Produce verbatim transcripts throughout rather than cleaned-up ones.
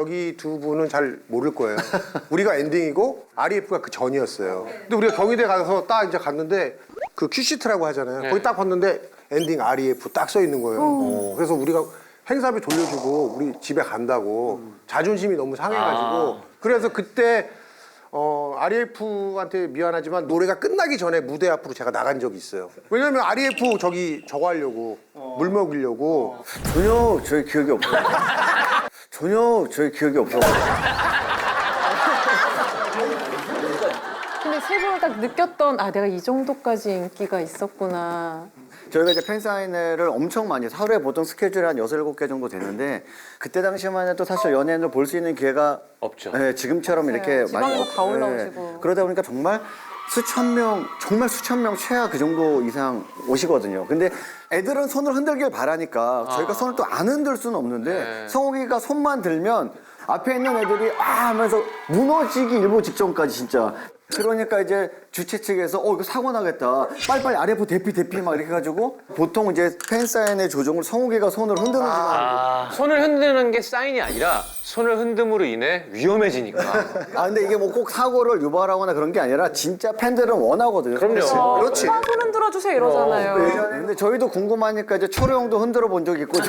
여기 두 분은 잘 모를 거예요. 우리가 엔딩이고 알이에프가 그 전이었어요. 근데 우리가 경희대 가서 딱 이제 갔는데 그 큐시트라고 하잖아요. 네. 거기 딱 봤는데 엔딩 알이에프 딱 써 있는 거예요. 어. 그래서 우리가 행사비 돌려주고 우리 집에 간다고 자존심이 너무 상해가지고 아. 그래서 그때 어, 알이에프한테 미안하지만 노래가 끝나기 전에 무대 앞으로 제가 나간 적이 있어요. 왜냐면 알이에프 저기 저거 하려고 물 먹이려고 전혀 저희 기억이 없어요. 전혀 저희 기억이 없어요. 근데 세 분을 딱 느꼈던 아 내가 이 정도까지 인기가 있었구나. 저희가 이제 팬사인회를 엄청 많이 해서 하루에 보통 스케줄이 한 여섯, 일곱 개 정도 되는데 그때 당시만 해도 사실 연예인을 볼 수 있는 기회가 없죠. 네, 지금처럼 이렇게 지방에서 많이 다 올라오시고. 그러다 보니까 정말 수천 명, 정말 수천 명 최하 그 정도 이상 오시거든요. 근데 애들은 손을 흔들길 바라니까 저희가 손을 또 안 흔들 수는 없는데 네. 성욱이가 손만 들면 앞에 있는 애들이 아 하면서 무너지기 일보 직전까지 진짜. 그러니까 이제 주최 측에서 어 이거 사고 나겠다. 빨리빨리 알에프 대피 대피 막 이렇게 해가지고 보통 이제 팬사인회 조정을 성욱이가 손을 흔드는 시간. 아, 손을 흔드는 게 사인이 아니라 손을 흔듦으로 인해 위험해지니까. 아 근데 이게 뭐 꼭 사고를 유발하거나 그런 게 아니라 진짜 팬들은 원하거든요. 그럼요. 그렇지. 오빠 손 흔들어 주세요 이러잖아요. 그 예전에 근데 저희도 궁금하니까 이제 초로 형도 흔들어 본 적 있고.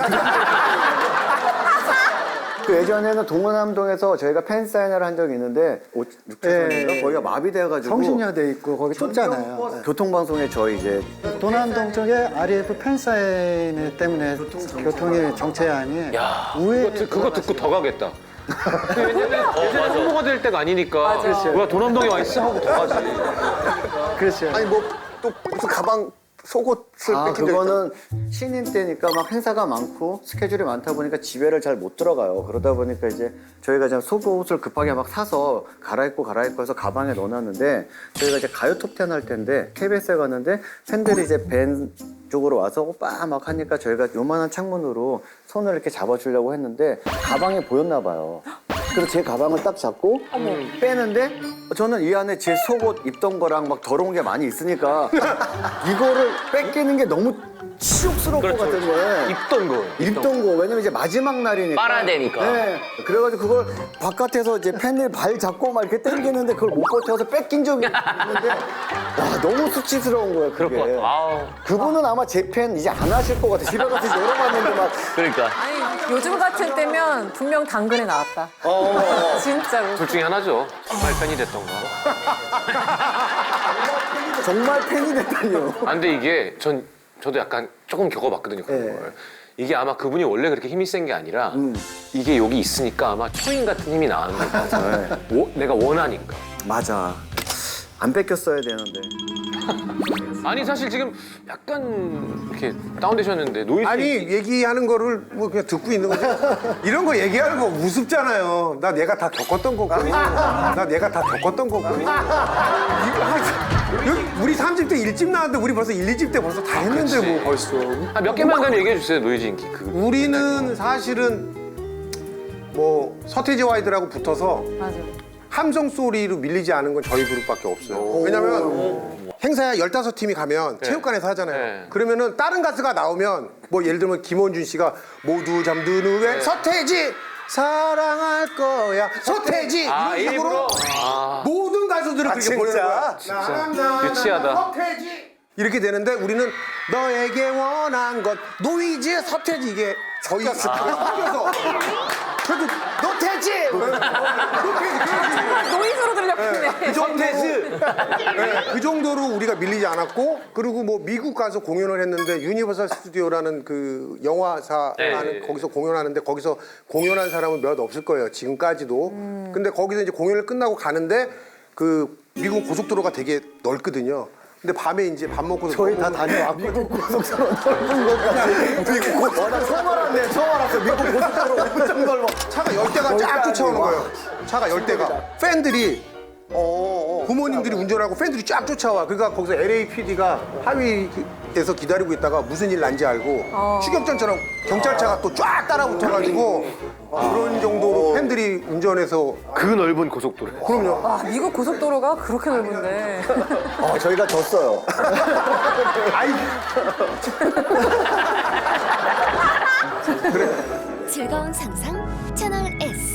그 예전에는 동원암동에서 저희가 팬 사인회를 한 적이 있는데 육 차선인가 네. 거기가 마비돼가지고 성신여대 있고 거기 좁잖아요. 네. 교통방송에 저희 이제 도남동 쪽에 알이에프 팬사인회 때문에 교통이 정체안이 야, 우회 그거, 듣- 그거 듣고 더 가겠다. 예전에 예전에 홍보가 될 때가 아니니까. 뭐야 도남동에 와 있어 하고 더 가지. 그렇죠. 아니 뭐 또 무슨 가방 속옷을 아 뺏긴 적 그거는 신인 때니까 막 행사가 많고 스케줄이 많다 보니까 집에를 잘 못 들어가요. 그러다 보니까 이제 저희가 이제 속옷을 급하게 막 사서 갈아입고 갈아입고 해서 가방에 넣어놨는데 저희가 이제 가요 톱텐 할 텐데 케이비에스에 갔는데 팬들이 이제 밴 쪽으로 와서 오빠 막 하니까 저희가 요만한 창문으로 손을 이렇게 잡아주려고 했는데 가방에 보였나 봐요. 그래서 제 가방을 딱 잡고 빼는데 저는 이 안에 제 속옷 입던 거랑 막 더러운 게 많이 있으니까 이거를 뺏기는 게 너무 치욕스러울 것 같은 거예요. 입던 거. 입던 거. 왜냐면 이제 마지막 날이니까. 빨아야 되니까. 네. 그래가지고 그걸 바깥에서 이제 팬들 발 잡고 막 이렇게 당기는데 그걸 못 버텨서 뺏긴 적이 있는데 와 너무 수치스러운 거예요. 그게. 그럴 것 같아. 아우. 그분은 아마 제 팬 이제 안 하실 것 같아. 집에 가서 이제 열어봤는데 막 그러니까. 아니 요즘 같은 때면 분명 당근에 나왔다. 진짜로. 둘 중에 하나죠. 정말 팬이 됐던 거. 정말 팬이 됐다니요. 아, 근데 이게 전 저도 약간 조금 겪어봤거든요 그런 네. 걸. 이게 아마 그분이 원래 그렇게 힘이 센 게 아니라 음. 이게 여기 있으니까 아마 초인 같은 힘이 나는 거예요. 네. 오, 내가 원하니까. 맞아. 안 뺏겼어야 되는데. 아니 사실 지금 약간 이렇게 다운되셨는데 노이즈 아니 얘기하는 거를 뭐 그냥 듣고 있는 거지. 이런 거 얘기하는 거 우습잖아요. 나 내가 다 겪었던 거고. 나 내가 다 겪었던 거고. 이거 하- 여기 우리 삼 집 때 일 집 나왔는데 우리 벌써 일, 이 집 때 벌써 다 했는데 그치. 뭐 벌써. 아, 몇 개만 그럼 얘기해 주세요 노이즈 인기. 그 우리는 사실은 뭐 서태지와 아이들하고 붙어서 맞아. 함성 소리로 밀리지 않은 건 저희 그룹밖에 없어요. 왜냐면 행사에 열다섯 팀이 가면 체육관에서 하잖아요. 네. 그러면은 다른 가수가 나오면 뭐 예를 들면 김원준 씨가 모두 잠든 후에 서태지 사랑할 거야 서태지 아, 이런 식으로 일부러? 아. 모든 가수들을 그렇게 진짜? 보내는 거야. 진짜 나나, 나나, 유치하다. 서태지 이렇게 되는데 우리는 너에게 원한 것 노이즈 서태지 이게 저희 섞여서 그래도 노태지 노태지 노이즈로 들렸겠네. 그 정도로, 네, 그 정도로 우리가 밀리지 않았고 그리고 뭐 미국 가서 공연을 했는데 유니버설 스튜디오라는 그 영화사 네. 하는 거기서 공연하는데 거기서 공연한 사람은 몇 없을 거예요 지금까지도. 근데 거기서 이제 공연을 끝나고 가는데 그 미국 고속도로가 되게 넓거든요. 근데 밤에 이제 밥 먹고 저희 다 다녀왔고 미국 고속도로 넓은 것 같아. 미국 고속도로. 와, 나 처음 알았네. 처음 알았어. 미국 고속도로 엄청 넓어. 차가 열 대가 쫙 쫓아오는 거예요. 차가 열 대가 팬들이 어, 어. 부모님들이 운전하고 팬들이 쫙 쫓아와. 그러니까 거기서 엘에이피디가 하위에서 기다리고 있다가 무슨 일 난지 알고 추격전처럼 경찰차가 또 쫙 따라붙어가지고 그런 정도로 팬들이 운전해서 그 넓은 고속도로. 그럼요. 와 미국 고속도로가 그렇게 넓은데. 어, 저희가 졌어요. 아이 즐거운 상상 채널 S.